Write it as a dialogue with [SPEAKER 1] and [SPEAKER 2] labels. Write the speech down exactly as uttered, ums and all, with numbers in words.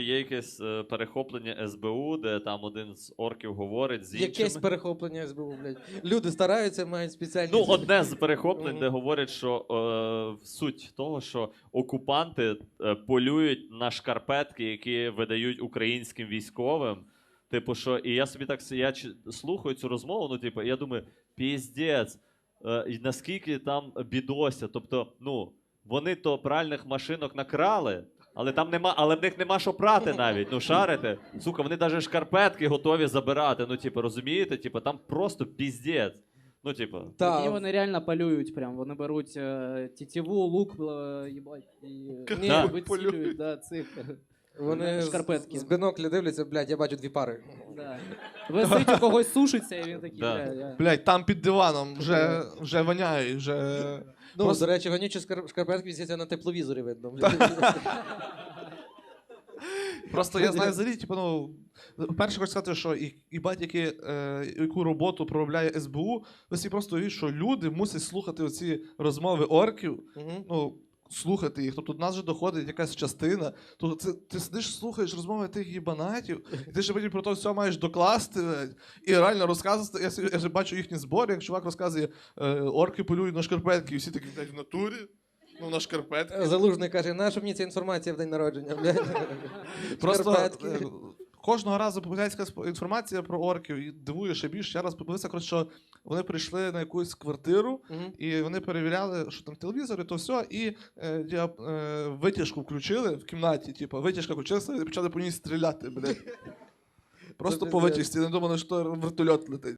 [SPEAKER 1] Є якесь е, перехоплення ес бе у, де там один з орків говорить з іншими.
[SPEAKER 2] Якесь перехоплення ес бе у, блядь. Люди стараються, мають спеціальні...
[SPEAKER 1] Ну, одне з перехоплень,
[SPEAKER 2] Мгм.
[SPEAKER 1] де говорять, що е, суть того, що окупанти е, полюють на шкарпетки, які видають українським військовим. Типу, що, і я собі так с- я ч- слухаю цю розмову, ну, типу, і я думаю, піздець, е, і наскільки там бідося. Тобто, ну, вони то пральних машинок накрали, але там нема, але в них нема що прати навіть. Ну, шарите. Сука, вони навіть шкарпетки готові забирати. Ну, типу, розумієте? Типу, там просто піздець. Ну, типу.
[SPEAKER 2] Та,
[SPEAKER 3] І вони реально полюють прям. Вони беруть е, тітиву, лук, е, їбать, і
[SPEAKER 2] Ні,
[SPEAKER 1] Да.
[SPEAKER 3] вицілюють, да, цих.
[SPEAKER 2] вони
[SPEAKER 3] шкарпетки.
[SPEAKER 2] з, з бинокля дивляться, блядь, я бачу дві пари.
[SPEAKER 3] Да. Висить у когось сушиться, і він такий,
[SPEAKER 1] Да.
[SPEAKER 3] бля, я...
[SPEAKER 4] Блядь, там під диваном вже, вже воняє, вже...
[SPEAKER 2] Ну,
[SPEAKER 4] Просто-
[SPEAKER 2] до речі, вонючі скар- шкарпетки висяться на тепловізорі, видно. блядь.
[SPEAKER 4] Просто я знаю взагалі, типу, ну, перше хочу сказати, що і, і батьки, е, яку роботу проробляє ес бе у, ви всі просто уявіть, що люди мусять слухати оці розмови орків,
[SPEAKER 2] Мгм.
[SPEAKER 4] ну, слухати їх. Тобто до нас вже доходить якась частина. Тобто це, ти сидиш, слухаєш розмови тих їбанатів, і ти ще потім про то все маєш докласти, блядь, і реально розказувати. Я, собі- я ж бачу їхні збори, як чувак розказує, е, орки полюють на шкарпетки, і всі такі, блядь, в натурі, ну, на шкарпетки.
[SPEAKER 2] Залужний каже, наша мені ця інформація в день народження, блядь.
[SPEAKER 4] Просто
[SPEAKER 2] Шкарпетки.
[SPEAKER 4] е, кожного разу популяцька інформація про орків і дивує ще більше. Я раз подивився, коротше, що вони прийшли на якусь квартиру,
[SPEAKER 2] Мгм.
[SPEAKER 4] і вони перевіряли, що там телевізор і то все, і е, діап- е, витяжку включили в кімнаті, типу, витяжка включилася і почали по ній стріляти, блядь. Просто по
[SPEAKER 2] пиздець.
[SPEAKER 4] витяжці, не думали, що вертольот летить.